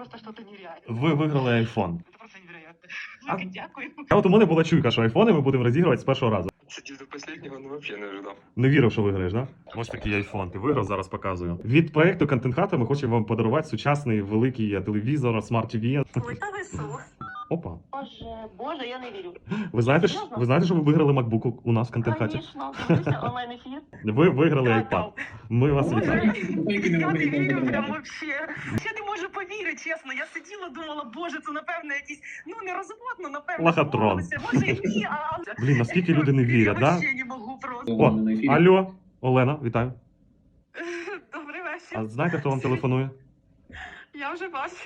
просто что-то нереальное. Ви виграли iPhone. Это просто невероятно. А- Велике дякую. А от у мене була чуйка, що айфони ми будемо розігрувати з першого разу. Сидів до последнего, ну вообще не ожидав. Не вірив, що виграєш, да? Ось такий айфон. Ти виграв, зараз показую. Від проекту Content Hut ми хочемо вам подарувати сучасний великий телевізор, смарт-ТВ. Ой, та ви що? Опа. Боже, я не вірю. Ви знаєте, що ви виграли MacBook у нас в Content Hut? Конечно, дивлюся онлайн-ефір. Ви виграли iPad. Ми вас Боже, вітаємо. я не вірю прям вообще. Я не можу повірити, чесно. Я сиділа, думала, боже, це напевно якийсь, ну не розводно, напевно. Лохотрон. сподобалося. Може, ні, а... Блін, наскільки люди не вірять, Я да? вообще не можу просто. О, алло, Олена, вітаю. Добрий вечір. А знаєте, хто вам телефонує? Я вже бачу.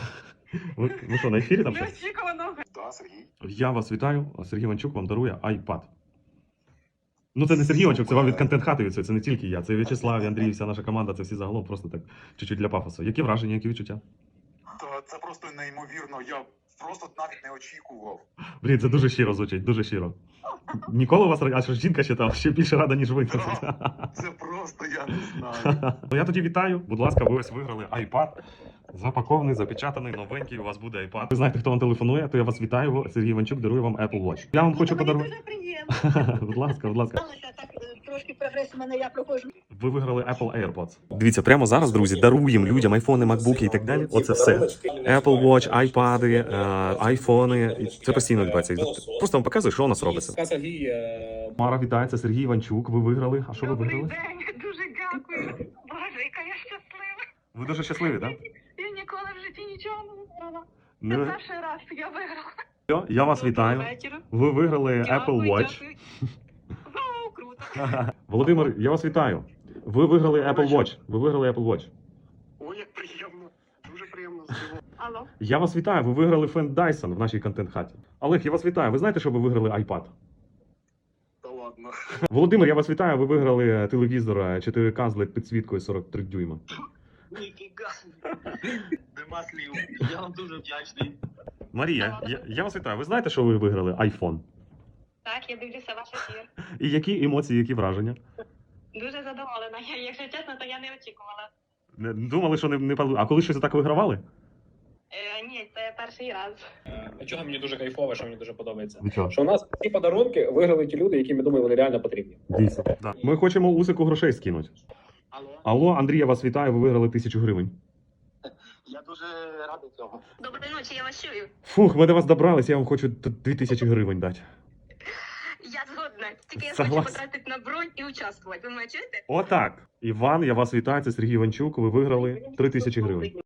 Ви що, на ефірі там щось? Неочікувано. Да, Сергій. Я вас вітаю. Сергій Іванчук вам дарує iPad. Ну це не Сергій Іванчук, це вам від Content Hut від цього, це не тільки я. Це і В'ячеслав, і Андрій, вся наша команда, це всі загалом просто так чуть-чуть для пафосу. Які враження, які відчуття? Та це просто неймовірно. Я просто навіть не очікував. Блін, це дуже щиро звучить, дуже щиро. Ніколи у вас а що ж жінка ще там ще більше рада, ніж ви. Це просто я не знаю. Ну я тоді вітаю. Будь ласка, ви ось виграли iPad. Запакований, запечатаний, новенький, у вас буде iPad. Ви знаєте, хто вам телефонує, то я вас вітаю. Сергій Іванчук дарує вам Apple Watch. Я вам хочу подарувати. Дуже приємно. Будь ласка, будь ласка. Сталося так, трошки прогрес у мене, я проходжу. Ви виграли Apple AirPods. Дивіться, прямо зараз, друзі, даруємо людям айфони, макбуки і так далі. Оце все. Apple Watch, айпади, айфони. Це постійно відбувається. Просто вам показую, що у нас робиться. Мара, вітається, Сергій Іванчук. Ви виграли. А що ви Добрий виграли? день, дуже дякую. Боже, яка я щаслива. Ви дуже щасливі, так? Я ніколи в житті нічого не виграла. Це Ну, перший раз я виграла. все, я вас вітаю. Доброго вечора. Ви виграли Apple Watch. Дякую. Вау, круто. Володимир, я вас вітаю. Ви виграли Apple Watch. Ви виграли Apple Watch. Ой, як приємно. Дуже приємно здивував. Алло. Я вас вітаю. Ви виграли фен Dyson в нашій контент-хаті. Олег, я вас вітаю. Ви знаєте, що ви виграли iPad? Та ладно. Володимир, я вас вітаю. Ви виграли телевізор 4К з LED підсвіткою 43 дюйма. Ніфіга. Нема слів. Я вам дуже вдячний. Марія, я вас вітаю. Ви знаєте, що ви виграли iPhone? Так, я дивлюся ваш ефір. І які емоції, які враження? Дуже задоволена. Якщо чесно, то я не очікувала. Не думали, що не пали. А коли щось так вигравали? Ні, це перший раз. Чого мені дуже кайфово, що мені дуже подобається. Нічого. Що у нас ці подарунки виграли ті люди, які ми думаємо, вони реально потрібні. Дійсно. Да. Ми хочемо Усику грошей скинути. Алло, Алло, Андрій, я вас вітаю. Ви виграли 1000 гривень. я дуже радий цього. Доброї ночі, я вас чую. Фух, ми до вас добрались, я вам хочу 2000 гривень дати. Я згодна. Тільки я Согласен. хочу потратити на бронь і участвувати. Ви мене чуєте? Отак. Іван, я вас вітаю. Це Сергій Іванчук. Ви виграли 3000 гривень.